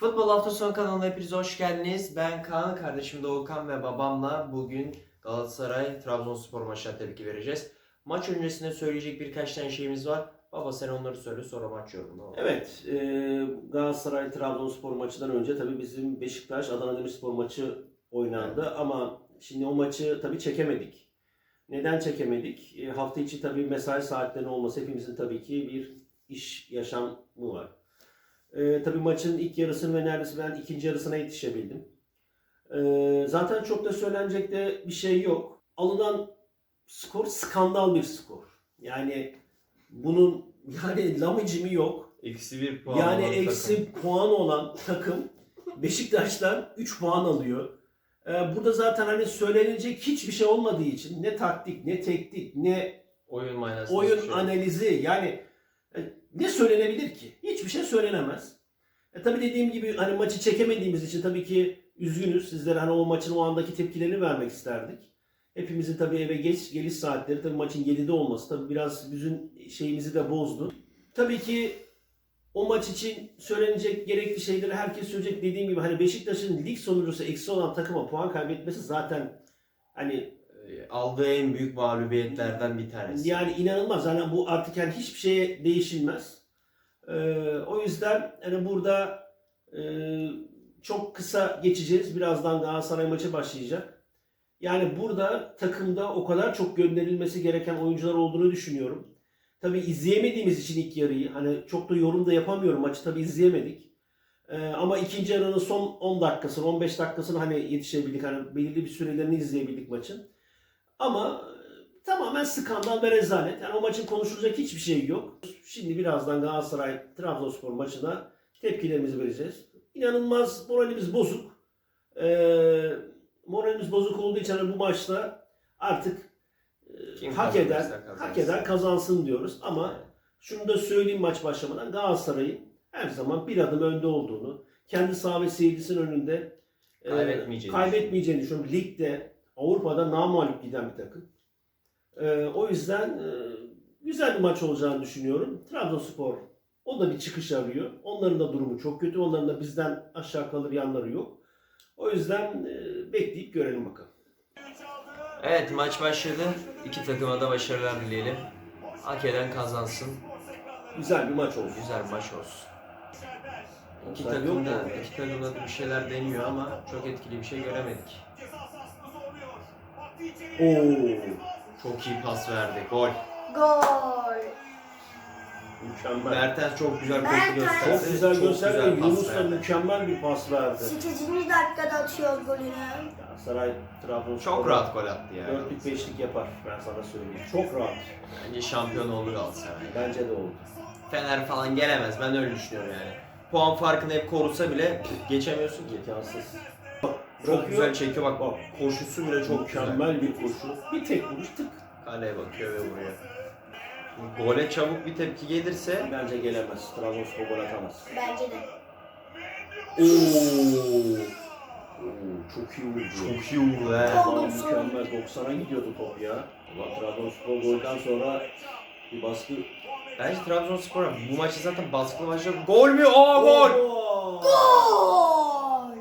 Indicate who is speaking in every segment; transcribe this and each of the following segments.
Speaker 1: Futbol Hafta Sonu kanalına hepinize hoş geldiniz. Ben Kaan, kardeşim Doğukan ve babamla bugün Galatasaray-Trabzonspor maçına tepki vereceğiz. Maç öncesinde söyleyecek birkaç tane şeyimiz var. Baba sen onları söyle, sonra maç yorumu.
Speaker 2: Evet, Galatasaray-Trabzonspor maçından önce tabii bizim Beşiktaş-Adana Demirspor maçı oynandı.
Speaker 1: Evet.
Speaker 2: Ama şimdi o maçı tabii çekemedik. Neden çekemedik? Hafta içi tabii mesai saatlerinin olması, hepimizin tabii ki bir iş yaşamı var. Tabii maçın ilk yarısını ve neredeyse ben ikinci yarısına yetişebildim. Zaten çok da söylenecek de bir şey yok. Alınan skor skandal bir skor. Yani bunun lamıcımı yok.
Speaker 1: Eksi bir puan
Speaker 2: Yani
Speaker 1: olan
Speaker 2: eksi
Speaker 1: takım.
Speaker 2: puan olan takım Beşiktaş'tan 3 puan alıyor. Burada zaten hani söylenecek hiçbir şey olmadığı için ne taktik, ne teknik, ne
Speaker 1: Oyun manası.
Speaker 2: oyun analizi, yani ne söylenebilir ki? Hiçbir şey söylenemez. Tabii dediğim gibi hani maçı çekemediğimiz için tabii ki üzgünüz. Sizlere hani o maçın o andaki tepkilerini vermek isterdik. Hepimizin tabii eve geç geliş saatleri, tabii maçın 7'de olması tabii biraz bizim şeyimizi de bozdu. Tabii ki o maç için söylenecek gerekli şeyleri herkes söyleyecek. Dediğim gibi hani Beşiktaş'ın lig sonuncusu eksi olan takıma puan kaybetmesi zaten hani
Speaker 1: Aldığı en büyük mağlubiyetlerden bir tanesi.
Speaker 2: yani inanılmaz. Yani bu artık yani hiçbir şeye değişilmez. O yüzden hani burada çok kısa geçeceğiz. Birazdan Galatasaray maçı başlayacak. Yani burada takımda o kadar çok gönderilmesi gereken oyuncular olduğunu düşünüyorum. Tabii izleyemediğimiz için ilk yarıyı, hani çok da yorum da yapamıyorum. Maçı tabii izleyemedik. Ama ikinci yarının son 10 dakikasını, 15 dakikasını hani yetişebildik. Hani belirli bir sürelerini izleyebildik maçın. Ama tamamen skandal ve rezalet. Yani o maçın konuşulacak hiçbir şey yok. Şimdi birazdan Galatasaray-Trabzonspor maçına tepkilerimizi vereceğiz. İnanılmaz moralimiz bozuk. Moralimiz bozuk olduğu için hani bu maçta artık hak eden kazansın diyoruz. Ama şunu da söyleyeyim maç başlamadan, Galatasaray'ın her zaman bir adım önde olduğunu, kendi saha ve seyircisinin önünde kaybetmeyeceğini düşünüyorum. Ligde, Avrupa'da namağlup giden bir takım. O yüzden güzel bir maç olacağını düşünüyorum. Trabzonspor o da bir çıkış arıyor. Onların da durumu çok kötü. Onların da bizden aşağı kalır yanları yok. O yüzden bekleyip görelim bakalım.
Speaker 1: Evet, maç başladı. İki takıma da başarılar dileyelim. Hak eden kazansın.
Speaker 2: Güzel bir maç olsun.
Speaker 1: Güzel bir maç olsun. İki
Speaker 2: Offside
Speaker 1: takım
Speaker 2: yok
Speaker 1: da
Speaker 2: mu?
Speaker 1: bir şeyler deniyor ama çok etkili bir şey göremedik.
Speaker 2: Oo,
Speaker 1: Çok iyi pas verdi. Gol.
Speaker 3: Gol.
Speaker 2: mükemmel.
Speaker 1: Mertens çok güzel koşu
Speaker 3: Mertens.
Speaker 1: gösterdi.
Speaker 2: Çok güzel gösterdi.
Speaker 1: pas
Speaker 2: Yunus da
Speaker 1: verdi.
Speaker 2: mükemmel bir pas verdi.
Speaker 3: 8. dakikada atıyor golünü.
Speaker 2: Galatasaray Trabzonspor
Speaker 1: Çok rahat gol attı yani.
Speaker 2: dörtlük beşlik yapar, ben sana söyleyeyim. Çok rahat.
Speaker 1: Bence şampiyon oldu Galatasaray.
Speaker 2: Bence de oldu.
Speaker 1: Fener falan gelemez. Ben öyle düşünüyorum yani. Puan farkını hep korusa bile geçemiyorsun ki.
Speaker 2: İmkansız.
Speaker 1: Çok güzel çekiyor bak. Koşusu bile çok güzel.
Speaker 2: Mükemmel bir koşu. Bir tek vuruş tık.
Speaker 1: Kaleye bakıyor ve vuruyor. Gole çabuk bir tepki gelirse
Speaker 2: Bence gelemez. Trabzonspor gol atamaz.
Speaker 3: Bence de.
Speaker 2: Oo, çok iyi vurdu.
Speaker 1: çok iyi vurdu he.
Speaker 3: Tam
Speaker 2: Vallahi
Speaker 3: 90'a
Speaker 2: mükemmel. 90'a gidiyordu top ya. Ulan Trabzonspor golden sonra bir baskı.
Speaker 1: Bence Trabzonspor bu maçı zaten baskılı başladı. Gol mü? Aa gol!
Speaker 2: Oo!
Speaker 3: Gol.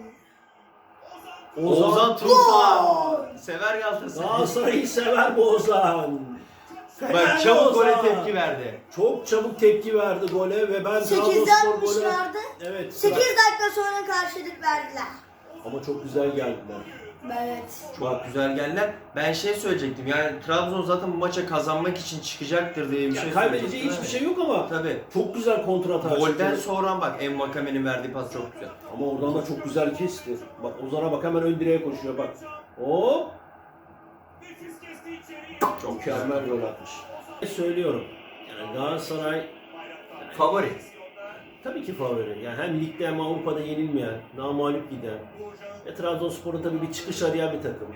Speaker 1: Ozan Tufan. Sever Galatasaray.
Speaker 2: Galatasaray'ı sever bu Ozan.
Speaker 1: Bak çabuk gole
Speaker 2: Ozan.
Speaker 1: tepki verdi.
Speaker 2: Çok çabuk tepki verdi gole ve ben
Speaker 3: 8'de
Speaker 2: Trabzonspor gole...
Speaker 3: atmışlardı.
Speaker 2: Evet.
Speaker 3: 8 dakika sonra karşılık verdiler.
Speaker 2: Ama çok güzel geldiler.
Speaker 3: Evet.
Speaker 1: Çok güzel geldiler. Ben şey söyleyecektim yani Trabzon zaten bu maça kazanmak için çıkacaktır diye bir şey
Speaker 2: Kaybedeceği
Speaker 1: söyleyecektim.
Speaker 2: hiçbir şey yok ama
Speaker 1: Tabii.
Speaker 2: çok güzel kontrata
Speaker 1: Golden
Speaker 2: çıktı.
Speaker 1: sonra bak Envakame'nin verdiği pas çok güzel.
Speaker 2: Ama oradan da çok güzel kesti. Bak Ozan'a bak, hemen ön direğe koşuyor bak. Hop!
Speaker 1: Çok
Speaker 2: Mükemmel gol atmış. Söylüyorum. Yani Galatasaray
Speaker 1: Favori.
Speaker 2: tabii ki favori. Yani hem ligde hem Avrupa'da yenilmeyen, namağlup giden. Trabzonspor'un tabii bir çıkış arayan bir takım.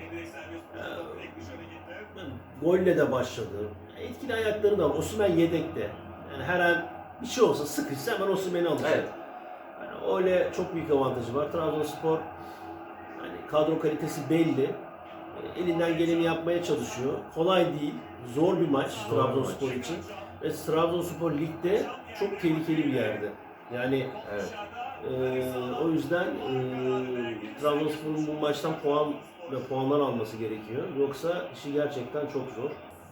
Speaker 2: Golle de başladı. Etkili ayakları da var. Osimhen yedekte. Yani her an bir şey olsa, sıkışsa hemen Osimhen'i alacak.
Speaker 1: Evet.
Speaker 2: Yani öyle çok büyük avantajı var. Trabzonspor yani kadro kalitesi belli. Elinden geleni yapmaya çalışıyor. Kolay değil. Zor bir maç
Speaker 1: Zor bir
Speaker 2: Trabzonspor
Speaker 1: maç.
Speaker 2: için. Ve Trabzonspor ligde çok tehlikeli bir yerde. Yani
Speaker 1: Evet.
Speaker 2: O yüzden Trabzonspor'un bu maçtan puan ve puanlar alması gerekiyor. Yoksa işi gerçekten çok zor.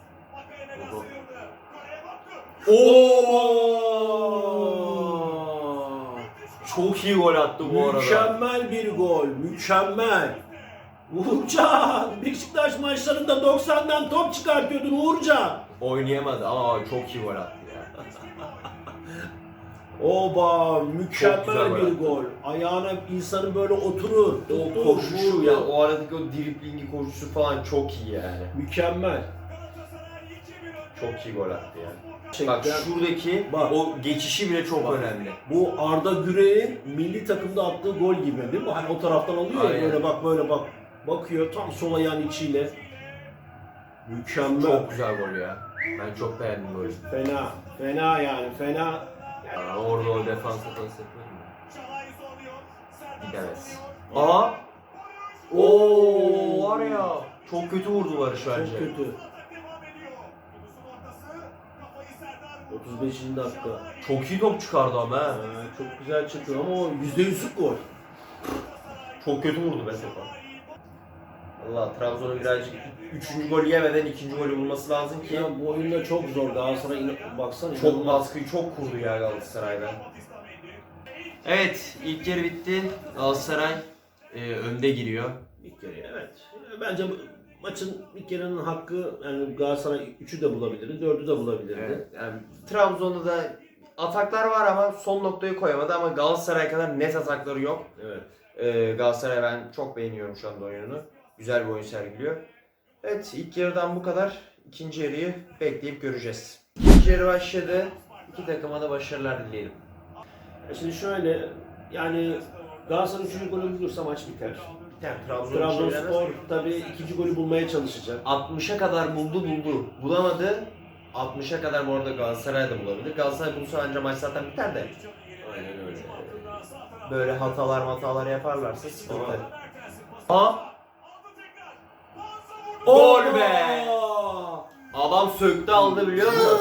Speaker 1: Oo! Çok iyi gol attı bu arada.
Speaker 2: Mükemmel bir gol, mükemmel. Uğurcan, Beşiktaş maçlarında 90'dan top çıkartıyordun Uğurcan.
Speaker 1: Oynayamadı ama çok iyi gol attı ya.
Speaker 2: Oba,
Speaker 1: Çok
Speaker 2: mükemmel
Speaker 1: güzel
Speaker 2: bir
Speaker 1: gol.
Speaker 2: gol. Ayağına insanın böyle oturur.
Speaker 1: O
Speaker 2: Tuttu,
Speaker 1: koşuşu
Speaker 2: vurdu.
Speaker 1: ya, o aradaki o driblingi koşusu falan çok iyi yani.
Speaker 2: Mükemmel.
Speaker 1: Çok iyi gol attı ya.
Speaker 2: Gerçekten
Speaker 1: Bak şuradaki
Speaker 2: Bak.
Speaker 1: o geçişi bile çok
Speaker 2: Bak.
Speaker 1: önemli.
Speaker 2: bu Arda Güler'in milli takımda attığı gol gibi değil mi? Hani o taraftan alıyor ya
Speaker 1: Aynen.
Speaker 2: böyle bak böyle bak. Bakıyor tam sol ayağın içiyle. Mükemmel.
Speaker 1: Çok güzel gol ya. Ben çok beğendim golü.
Speaker 2: Fena. Fena yani fena.
Speaker 1: Ya orada o defansa pas etmedi mi? Gidemez. Aha! Oo var ya. Çok kötü vurdu Barış bence.
Speaker 2: Çok kötü. 35. dakika.
Speaker 1: Çok iyi top çıkardı ama ha.
Speaker 2: Çok güzel çıktı ama o %100'lük gol.
Speaker 1: Çok kötü vurdu be topa. Allah Trabzon'un birazcık 3. golü yemeden 2. golü bulması lazım ki.
Speaker 2: Ya bu oyunda çok zor. Galatasaray baksana.
Speaker 1: Çok
Speaker 2: inanılmaz.
Speaker 1: baskıyı çok kurdu ya Galatasaray'dan. Evet, ilk yarı bitti. Galatasaray önde giriyor.
Speaker 2: İlk yarı evet. Bence maçın ilk yarının hakkı yani Galatasaray 3'ü de bulabilirdi, 4'ü de bulabilirdi.
Speaker 1: Evet, yani Trabzon'da da ataklar var ama son noktayı koyamadı ama Galatasaray kadar net atakları yok.
Speaker 2: Evet.
Speaker 1: Galatasaray ben çok beğeniyorum şu anda oyununu. Güzel bir oyun sergiliyor. Evet, ilk yarıdan bu kadar. İkinci yarıyı bekleyip göreceğiz. İkinci yarı başladı. İki takıma da başarılar dileyelim.
Speaker 2: Şimdi şöyle yani Galatasaray 3. golü bulursa maç biter.
Speaker 1: Yani
Speaker 2: Trabzonspor tabii ikinci golü bulmaya çalışacak.
Speaker 1: 60'a kadar buldu. Bulamadı. 60'a kadar bu arada Galatasaray da bulabilir. Galatasaray bulsa anca maç zaten biter de.
Speaker 2: Aynen öyle.
Speaker 1: Böyle hatalar yaparlarsa sıkıntı. Aa! Gol be! Adam söktü aldı biliyor musun?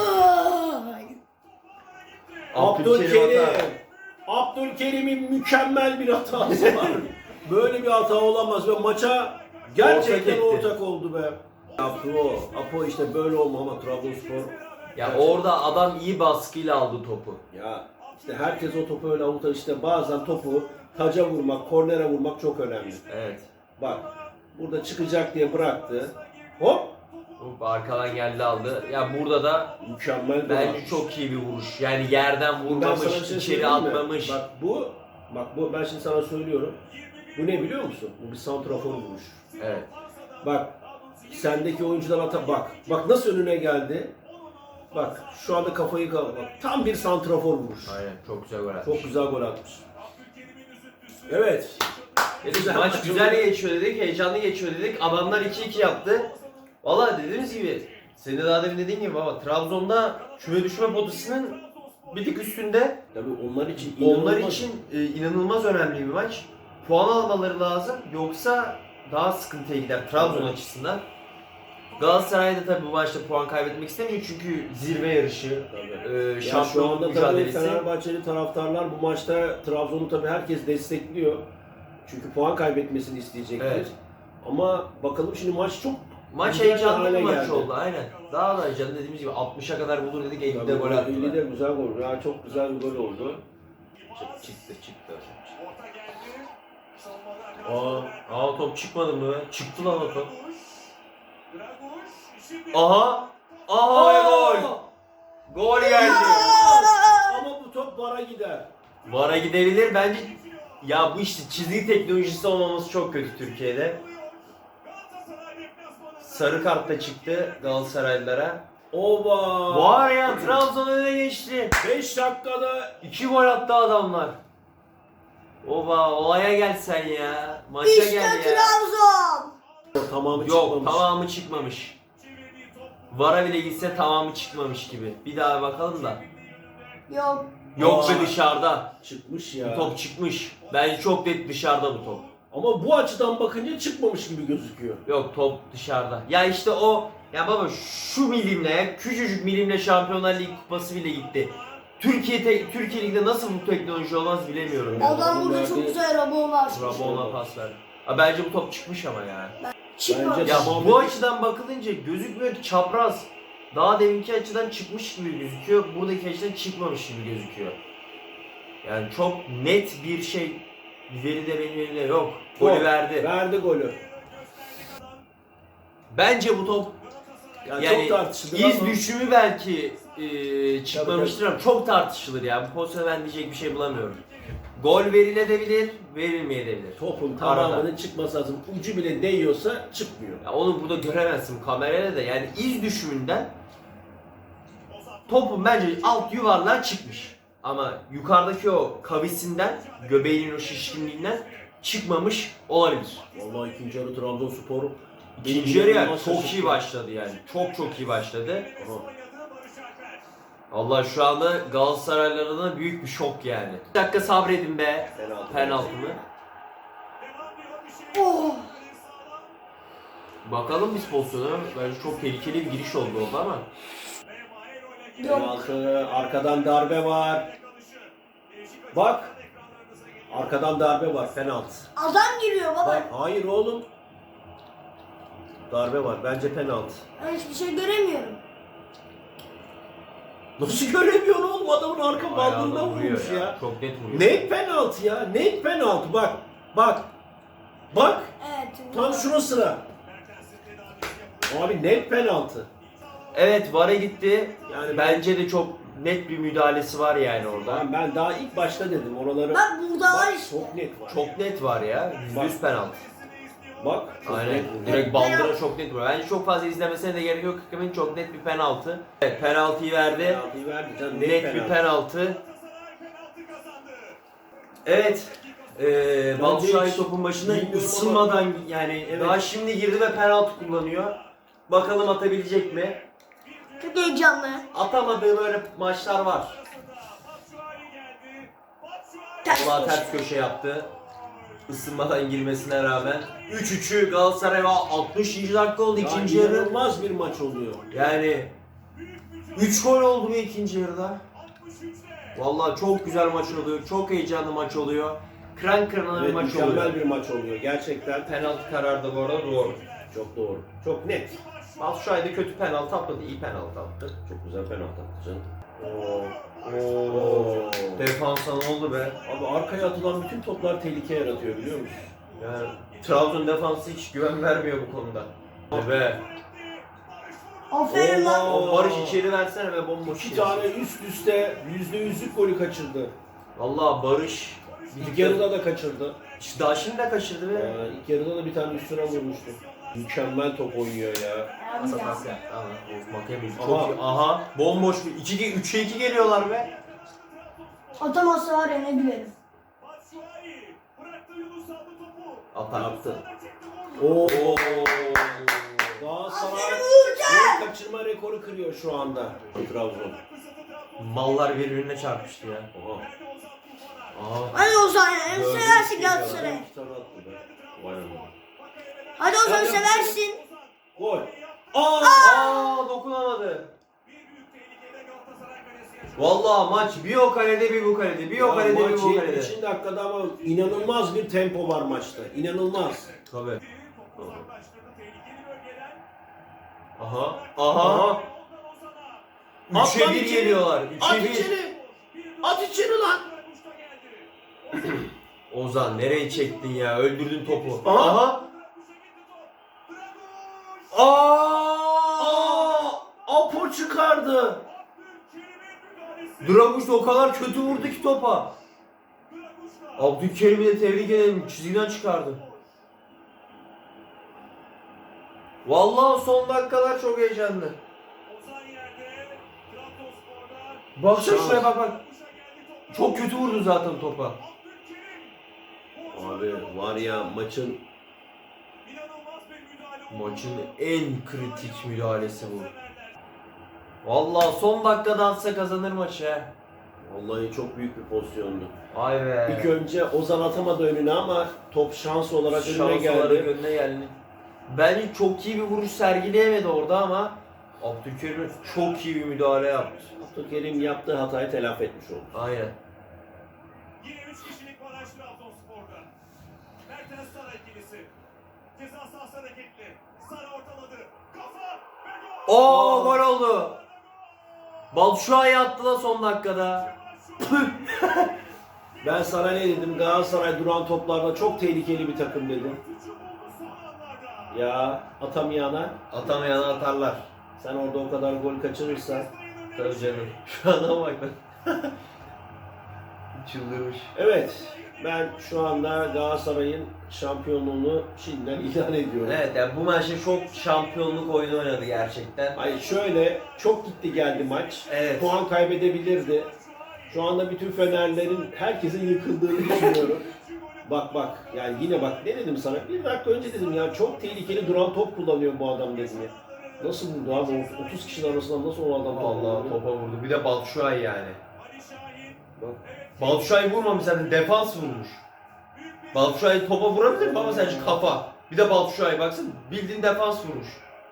Speaker 2: Abdülkerim. Abdülkerim'in mükemmel bir hatası var. Böyle bir hata olamaz ve maça gerçekten
Speaker 1: Ortak etti.
Speaker 2: ortak oldu be. Apo işte böyle olma ama Trabzonspor.
Speaker 1: Ya orada adam iyi baskıyla aldı topu.
Speaker 2: Ya işte herkes o topu öyle avuta işte bazen topu taca vurmak, kornere vurmak çok önemli.
Speaker 1: Evet.
Speaker 2: Bak burada çıkacak diye bıraktı. Hop!
Speaker 1: Hop, arkadan geldi aldı. Ya burada da
Speaker 2: Mükemmel bir
Speaker 1: bence
Speaker 2: vuruş.
Speaker 1: çok iyi bir vuruş. Yani yerden
Speaker 2: Ben sana
Speaker 1: vurmamış,
Speaker 2: bir şey
Speaker 1: içeri
Speaker 2: söyleyeyim mi?
Speaker 1: atmamış.
Speaker 2: Bak bu ben şimdi sana söylüyorum. Bu ne biliyor musun? Bu bir santrafor vuruş.
Speaker 1: Evet.
Speaker 2: Bak sendeki oyuncular bak. Bak nasıl önüne geldi. Bak şu anda kafayı bak. Tam bir santrafor vuruş.
Speaker 1: Aynen. Çok güzel gol atmış.
Speaker 2: Çok güzel gol atmış. Evet.
Speaker 1: Dedik, maç güzel geçiyor dedik, heyecanlı geçiyor dedik. Adamlar 2-2 yaptı. Valla dediğimiz gibi, senin de daha demin dediğin gibi baba, Trabzon'da küme düşme potasının bir tık üstünde.
Speaker 2: Tabii onlar için
Speaker 1: Onlar için inanılmaz önemli bir maç. Puan almaları lazım, yoksa daha sıkıntıya gider Trabzon açısından. Galatasaray da tabii bu maçta puan kaybetmek istemiyor çünkü zirve yarışı,
Speaker 2: Ya şu
Speaker 1: şampiyonluk
Speaker 2: anda tabii
Speaker 1: mücadelesi.
Speaker 2: Fenerbahçeli taraftarlar bu maçta Trabzon'u tabii herkes destekliyor. Çünkü puan kaybetmesini isteyecektir.
Speaker 1: Evet.
Speaker 2: Ama bakalım şimdi maç çok
Speaker 1: Maç
Speaker 2: güzel
Speaker 1: heyecanlı
Speaker 2: hale
Speaker 1: bir maç
Speaker 2: geldi.
Speaker 1: oldu aynen. Daha da heyecanlı dediğimiz gibi 60'a kadar bulur dedik, 50'de gol attılar.
Speaker 2: 50'de güzel gol. Ya çok güzel bir gol oldu.
Speaker 1: Çıktı. Aa top çıkmadı mı? Çıktı lan o top. Aha! Aha gol! Gol geldi.
Speaker 2: Ama bu top VAR'a gider.
Speaker 1: VAR'a gidebilir bence. Ya bu işte çizgi teknolojisi olmaması çok kötü Türkiye'de. Sarı kart da çıktı Galatasaraylılara.
Speaker 2: Oba!
Speaker 1: Var ya Trabzon öne geçti.
Speaker 2: 5 dakikada
Speaker 1: 2 gol attı adamlar. Oba olaya gel sen ya. Maça
Speaker 3: İşte
Speaker 1: gel ya.
Speaker 3: Trabzon.
Speaker 2: tamamı
Speaker 1: Yok
Speaker 2: çıkmamış.
Speaker 1: tamamı çıkmamış. VAR'a bile gitse tamamı çıkmamış gibi. Bir daha bakalım da.
Speaker 3: Yok.
Speaker 1: Yok be
Speaker 2: Aa.
Speaker 1: dışarıda.
Speaker 2: Çıkmış
Speaker 1: Bu
Speaker 2: ya.
Speaker 1: top çıkmış. Bence çok net dışarıda bu top.
Speaker 2: Ama bu açıdan bakınca çıkmamış gibi gözüküyor.
Speaker 1: Yok top dışarıda. Ya işte o ya baba şu milimle küçücük milimle Şampiyonlar Ligi kupası bile gitti. Türkiye Ligi'de nasıl bu teknoloji olmaz bilemiyorum. ya.
Speaker 3: Adam burada çok güzel Rabona açmış.
Speaker 1: Rabona pas verdi. Bence bu top çıkmış ama ya.
Speaker 3: Çıkmamış.
Speaker 2: Bence
Speaker 1: Ya
Speaker 2: Tamam.
Speaker 1: bu açıdan bakılınca gözükmüyor ki, çapraz. Daha deminki açıdan çıkmış gibi gözüküyor. Buradaki açıdan çıkmamış gibi gözüküyor. Yani çok net bir şey, veri de benim elimde yok. Golü verdi.
Speaker 2: Verdi golü.
Speaker 1: Bence bu top
Speaker 2: Yani çok tartışılır
Speaker 1: iz
Speaker 2: ama
Speaker 1: düşümü belki çıkmamıştır ama çok tartışılır ya. Bu pozisyona ben diyecek bir şey bulamıyorum. Gol verilebilir, verilmeyebilir.
Speaker 2: topun
Speaker 1: Arada.
Speaker 2: tamamının çıkması lazım. Ucu bile değiyorsa çıkmıyor.
Speaker 1: Ya onu burada göremezsin kamerayla da, yani iz düşümünden topun bence alt yuvarlığa çıkmış. Ama yukarıdaki o kavisinden, göbeğinin o şişkinliğinden çıkmamış olabilir.
Speaker 2: Vallahi ikinci yarı Trabzonspor
Speaker 1: İkinci yarı ya
Speaker 2: inanılmaz
Speaker 1: çok iyi
Speaker 2: şaşırttı.
Speaker 1: başladı yani. Çok iyi başladı.
Speaker 2: Aha.
Speaker 1: Allah şu anda Galatasaraylılarına büyük bir şok yani. Bir dakika sabredin be. Penaltı mı?
Speaker 3: Oh.
Speaker 1: Bakalım biz pozisyona. Bence çok tehlikeli bir giriş oldu orada ama.
Speaker 3: Yok.
Speaker 2: Penaltı, arkadan darbe var. Bak. Arkadan darbe var, penaltı.
Speaker 3: Adam giriyor baba.
Speaker 2: Bak, hayır oğlum. Darbe var, bence penaltı.
Speaker 3: Ben hiçbir şey göremiyorum.
Speaker 2: Nasıl göremiyorsun oğlum, adamın arka bandına
Speaker 1: Ayağına vuruyor
Speaker 2: vurmuş ya.
Speaker 1: Çok net vuruyor.
Speaker 2: Net penaltı ya, net penaltı bak. Bak. Bak,
Speaker 3: Evet.
Speaker 2: tam şurasına. Abi net penaltı.
Speaker 1: Evet, VAR'a gitti.
Speaker 2: Yani
Speaker 1: Bence de çok net bir müdahalesi var yani orada.
Speaker 2: ben daha ilk başta dedim oraları.
Speaker 3: Bak burada var
Speaker 2: Bak,
Speaker 3: işte.
Speaker 2: çok net var.
Speaker 1: Çok net var ya. %100 penaltı.
Speaker 2: Bak, çok
Speaker 1: Aynen.
Speaker 2: net var.
Speaker 1: Direkt bandıra çok net var. Bence çok fazla izlemesine de gerek yok. Hakemin çok net bir penaltı. Evet, penaltıyı verdi.
Speaker 2: Penaltıyı verdi canım,
Speaker 1: Net bir penaltı. Evet. Batu Şahin topun başında
Speaker 2: bilmiyorum
Speaker 1: ısınmadan yani
Speaker 2: Evet.
Speaker 1: daha şimdi girdi ve penaltı kullanıyor. Bakalım atabilecek mi?
Speaker 3: Çok heyecanlı.
Speaker 1: Atamadığı böyle maçlar var.
Speaker 3: Ters
Speaker 1: Allah
Speaker 3: köşe.
Speaker 1: ters köşe yaptı. Isınmadan girmesine rağmen. 3-3'ü Galatasaray 60. dakika oldu
Speaker 2: Ya
Speaker 1: ikinci yarı.
Speaker 2: inanılmaz bir maç oluyor.
Speaker 1: Yani 3 gol oldu mu ikinci yarıda? Vallahi çok güzel maç oluyor. Çok heyecanlı maç oluyor. Kıran kırana bir
Speaker 2: Evet,
Speaker 1: maç
Speaker 2: mükemmel
Speaker 1: oluyor.
Speaker 2: bir maç oluyor. Gerçekten
Speaker 1: Penaltı kararı da bu arada doğru.
Speaker 2: çok doğru. Çok net.
Speaker 1: Batu Şahin de kötü penaltı atmadı, iyi penaltı attı.
Speaker 2: Çok güzel penaltı attı canım.
Speaker 1: Oo. Defansa ne oldu be?
Speaker 2: Abi arkaya atılan bütün toplar tehlike yaratıyor, biliyor musun?
Speaker 1: Yani Trabzon defansı hiç güven vermiyor bu konuda. Be.
Speaker 3: Aferin lan.
Speaker 2: Oo.
Speaker 1: O Barış içeri versene ve bomboş.
Speaker 2: İki
Speaker 1: içeri.
Speaker 2: tane üst üste %100'lük golü kaçırdı.
Speaker 1: Vallahi Barış
Speaker 2: İlk yarıda da kaçırdı.
Speaker 1: daha şimdi de kaçırdı be.
Speaker 2: İlk yarıda da bir tane üstüne vurmuştu. Mükemmel top oynuyor ya.
Speaker 1: Pas yaptı. Tamam. Makemi
Speaker 2: Aha.
Speaker 1: çok iyi. Aha. Bomboş bir 3'e 2 geliyorlar be.
Speaker 3: Atamazsa var ya ne gülerim.
Speaker 1: Atar.
Speaker 2: Yaptı. Oo. Galatasaray gol kaçırma rekoru kırıyor şu anda. Trabzon.
Speaker 1: Mallar birbirine çarpıştı ya.
Speaker 2: Oha.
Speaker 1: Aha.
Speaker 3: Hadi Ozan ya.
Speaker 1: Gördüm,
Speaker 3: Seversin
Speaker 1: geliyor.
Speaker 3: Galatasaray.
Speaker 2: İki tane attı be. Vay anam.
Speaker 3: Hadi Ozan
Speaker 2: Hadi.
Speaker 3: seversin.
Speaker 2: Gol.
Speaker 1: Aa, dokunamadı. Vallahi maç bir o kalede bir bu kalede. Bir o kalede bir
Speaker 2: maç
Speaker 1: bu kalede.
Speaker 2: 70. dakikada ama inanılmaz bir tempo var maçta. İnanılmaz.
Speaker 1: Tabii. Aha. Aha. 3'e 1
Speaker 2: içeri.
Speaker 1: geliyorlar.
Speaker 2: At
Speaker 1: 3'e 1.
Speaker 2: içeri. At içeri lan.
Speaker 1: Ozan nereye çektin ya? Öldürdün topu.
Speaker 2: Aha.
Speaker 1: Aha. Aa!
Speaker 2: Apo çıkardı.
Speaker 1: Draguş da o kadar kötü vurdu ki topa. Abdülkerim'i de tebrik edelim. Çizgiden çıkardı. Vallahi son dakikalar çok heyecanlı. Baksana şuraya bak bak. Çok kötü vurdu zaten topa.
Speaker 2: Abi var ya maçın
Speaker 1: En kritik müdahalesi bu. Vallahi son dakikada atsa kazanır maçı he.
Speaker 2: vallahi çok büyük bir pozisyondu.
Speaker 1: Ay be.
Speaker 2: İlk önce Ozan atamadı önüne ama top şans olarak önüne
Speaker 1: Şans olarak
Speaker 2: geldi.
Speaker 1: önüne geldi. Bence çok iyi bir vuruş sergileyemedi orada ama Abdülkerim çok iyi bir müdahale yaptı.
Speaker 2: Abdülkerim yaptığı hatayı telafi etmiş oldu.
Speaker 1: Aynen.
Speaker 4: Yine 3 kişilik baraj Trabzonspor'da. Mertens Sara ikilisi. Ceza sahası hareketli. Sara ortaladı. Kafa ve gol.
Speaker 1: Oo gol oldu. Batshuayi attı da son dakikada.
Speaker 2: Ben sana ne dedim? Galatasaray duran toplarda çok tehlikeli bir takım dedim. Ya atamayana
Speaker 1: Atamayana atarlar.
Speaker 2: sen orada o kadar gol kaçırırsan.
Speaker 1: Tabii canım. Şu adama bak lan. Çıldırmış.
Speaker 2: Evet, ben şu anda Galatasaray'ın şampiyonluğunu şimdiden ilan ediyorum.
Speaker 1: Evet yani bu maçta çok şampiyonluk oyunu oynadı gerçekten.
Speaker 2: Hayır şöyle çok gitti geldi maç.
Speaker 1: Evet.
Speaker 2: Puan kaybedebilirdi. Şu anda bütün Fenerlerin herkesin yıkıldığını düşünüyorum. Bak yani yine bak ne dedim sana? Bir dakika önce dedim ya çok tehlikeli duran top kullanıyor bu adam dedim ya. Nasıl vurdu abi? 30 kişinin arasından nasıl o adam
Speaker 1: Allah topa vurdu. Bir de Batshuayi yani.
Speaker 2: Bak.
Speaker 1: Batshuayi vurmamış zaten defans vurmuş. Batshuayi topa vurabilir mi ama sence kafa. Bir de Batshuayi baksana bildiğin defans vurmuş.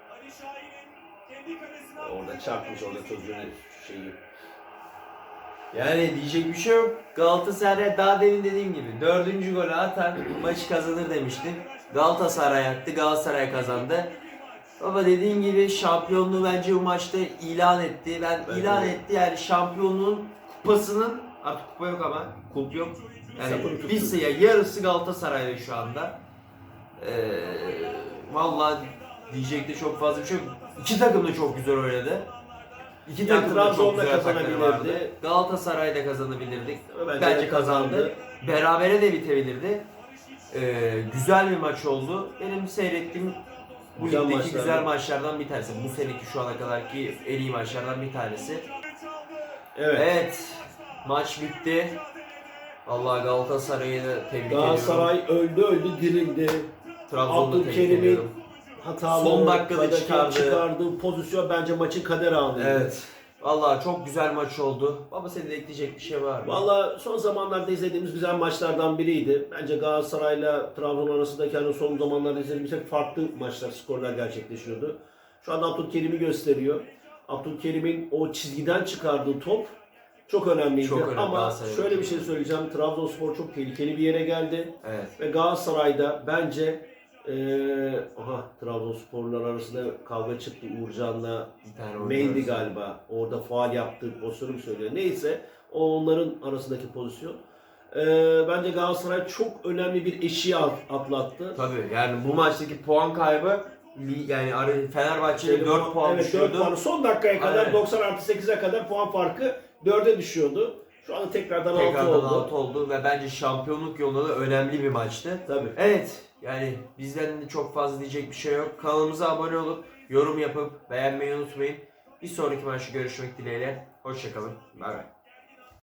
Speaker 2: Orada çarpmış orada çocuğun şeyi.
Speaker 1: Yani diyecek bir şey yok. Galatasaray daha demin dediğim gibi 4. golü atar maçı kazanır demiştim. Galatasaray attı, Galatasaray kazandı. Baba dediğin gibi şampiyonluğu bence bu maçta ilan etti. İlan etti yani şampiyonluğun kupasının artık kupa yok ama kup yok. Yani
Speaker 2: Sapını
Speaker 1: bir sayı yarısı Galatasaray'da şu anda. Vallahi diyecek de çok fazla bir şey yok. İki takım da çok güzel oynadı. İki
Speaker 2: Yani
Speaker 1: takım da çok
Speaker 2: Trabzon'da
Speaker 1: güzel atakları
Speaker 2: kazanabilirdi.
Speaker 1: vardı. Galatasaray'da kazanabilirdik.
Speaker 2: Bence
Speaker 1: Bence
Speaker 2: de
Speaker 1: kazandı. Berabere de bitebilirdi. Güzel bir maç oldu. Benim seyrettiğim bu
Speaker 2: Güzel
Speaker 1: ligdeki
Speaker 2: maçlardan.
Speaker 1: güzel maçlardan bir tanesi. Bu seneki şu ana kadarki en iyi maçlardan bir tanesi.
Speaker 2: Evet.
Speaker 1: Evet. Maç bitti. Allah Galatasaray'ı da tebrik ediyorum.
Speaker 2: Galatasaray öldü dirildi.
Speaker 1: Trabzon'da tebrik
Speaker 2: Abdülkerim'in
Speaker 1: ediyorum.
Speaker 2: hatalı
Speaker 1: Son dakikada
Speaker 2: çıkardığı pozisyon bence maçın kader anıydı.
Speaker 1: Evet. Vallahi çok güzel maç oldu. Baba senin de ekleyecek bir şey var mı?
Speaker 2: Valla son zamanlarda izlediğimiz güzel maçlardan biriydi. Bence Galatasaray'la Trabzon arasındaki hani son zamanlarda izlediğimiz hep farklı maçlar, skorlar gerçekleşiyordu. Şu anda Abdülkerim'i gösteriyor. Abdülkerim'in o çizgiden çıkardığı top çok önemliydi.
Speaker 1: Çok önemli
Speaker 2: Ama
Speaker 1: Galatasaray'da.
Speaker 2: şöyle bir şey söyleyeceğim. Trabzonspor çok tehlikeli bir yere geldi.
Speaker 1: Evet.
Speaker 2: Ve Galatasaray'da bence Trabzonsporlar arasında kavga çıktı Uğurcan'la
Speaker 1: Bir tane
Speaker 2: Mendy
Speaker 1: oynuyoruz.
Speaker 2: galiba. Orada faal yaptığı pozisyonu mu söylüyor? Neyse o onların arasındaki pozisyon. Bence Galatasaray çok önemli bir eşiği atlattı.
Speaker 1: Tabii yani bu maçtaki puan kaybı yani Fenerbahçe'de 4 puan
Speaker 2: Evet, 4
Speaker 1: düşüyordu.
Speaker 2: puan. Son dakikaya kadar
Speaker 1: Aynen.
Speaker 2: 90+8'e kadar puan farkı 4'e düşüyordu. Şu anda tekrardan 6 oldu.
Speaker 1: 6 oldu ve bence şampiyonluk yolunda da önemli bir maçtı.
Speaker 2: Tabii.
Speaker 1: Evet yani bizden de çok fazla diyecek bir şey yok. Kanalımıza abone olup yorum yapıp beğenmeyi unutmayın. Bir sonraki maçta görüşmek dileğiyle. Hoşçakalın. Bay bay.